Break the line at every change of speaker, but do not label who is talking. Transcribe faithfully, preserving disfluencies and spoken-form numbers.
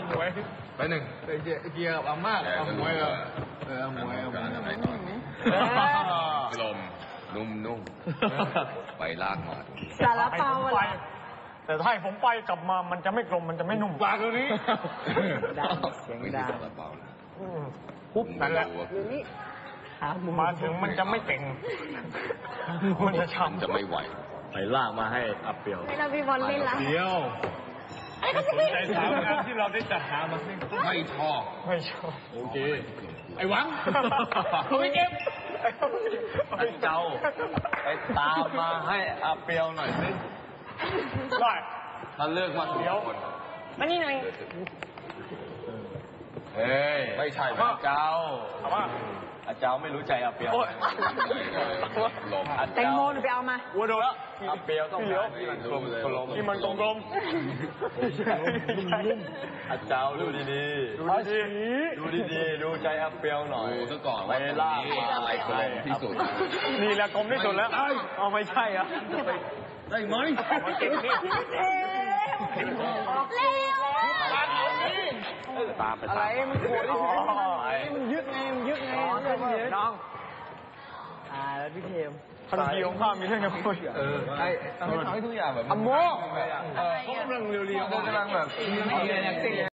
หมวยไปหนึ่งไปเกียร์กับอาม่าเอาหมวยเออเออหมวยเอาหมวยลมนุ่มนุ่มไปลากมา
สารเปาไป
แต่ถ้าให้ผมไปกลับมามันจะไม่กลมมันจะไม่นุ่ม
ปลาตัวนี้
ไม่ใช่สารเปา
ปุ๊บนั่นแหละมาถึงมันจะไม่เต่งมันจะช้ำ
จะไม่ไหว
ไปลากมาให้อับเปียว
ให้เราพี่บอลเล่นละ
เดียว
สนใจสาวงานที่เราได้จัดหามา
ไม่ชอบ
ไม่ชอบ
โอเคไอ้หวัง
ไม่เก็บ
ไอ้เจ้าไปตามมาให้อับเปียวหน่อยสิ
ได้
ถ้าเลิกมา
เดี๋ยวมานี่หน่อย
เฮ้ย
ไม่ใช่
อาเจ้า
ว่า
อาเจ้าไม่รู้ใจอับเปียว
แตงโมหนูไปเอามา
วัวโดนแล้ว
อับเปียวต้องการที่มันกลมกลม
ที่มันกลมกลม
อาเจ้าดูดีดีดูดีดูดีดูใจอับเปียวหน่อย
ดูซะก่อนว่าล่าอะไรกลมที่สุด
นี่แหละกลมที่สุดแล้วเอาไม่ใช่อ่ะ
ได้ไหม
มันเก็บนี่
ตามไป
อะไรมันโผล่มันยึดไงมันยึดไง
น้อง
อ่าแล้วพี่เทม
ทันทีของข้ามีเรื่องจะพูด
เออไอ้ทำให้ทุกอย่างแบบ
อัมโม
เขากำลังเรียวๆเขากำลังแบบ